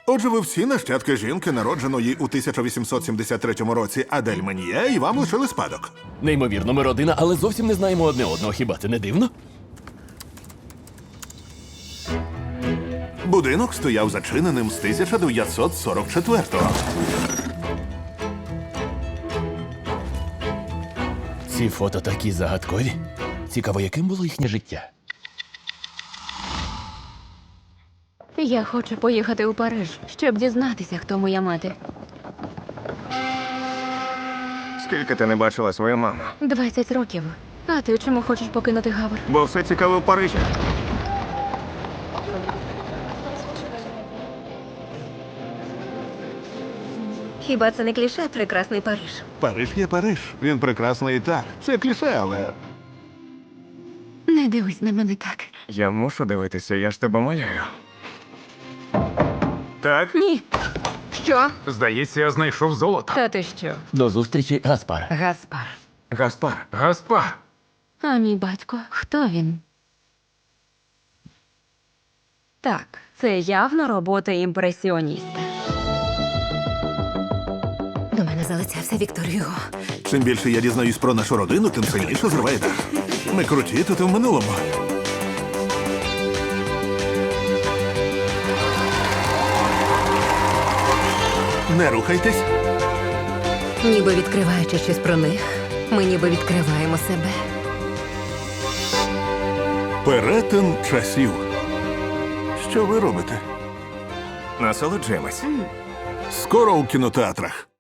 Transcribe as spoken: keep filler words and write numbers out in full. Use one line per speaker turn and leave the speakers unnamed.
Отже, ви всі нащадки жінки, народженої у тисяча вісімсот сімдесят третьому році Адель Мен'є, і вам лишили спадок.
Неймовірно, ми родина, але зовсім не знаємо одне одного. Хіба це не дивно?
Будинок стояв зачиненим з тисяча дев'ятсот сорок четвертого.
Ці фото такі загадкові. Цікаво, яким було їхнє життя.
Я хочу поїхати у Париж, щоб дізнатися, хто моя мати.
Скільки ти не бачила свою маму?
Двадцять років. А ти чому хочеш покинути Гавр?
Бо все цікаве в Парижі.
Хіба це не кліше прекрасний Париж?
Париж є Париж. Він прекрасний і так. Це кліше, але
Не дивись на мене так.
Я мушу дивитися, я ж тебе малюю. Так?
Ні. Що?
Здається, я знайшов золото.
Та ти що?
До зустрічі, Гаспар.
Гаспар.
Гаспар.
Гаспар.
А мій батько, хто він?
Так, це явно робота імпресіоніста. До мене залицявся Віктор Юго.
чим більше я дізнаюсь про нашу родину, тим сильніше зриває дах. Ми круті тут і в минулому. Не рухайтесь.
Ніби відкриваючи щось про них, ми ніби відкриваємо себе.
Перетин часів. Що ви робите?
Насолоджуємось.
Скоро у кінотеатрах.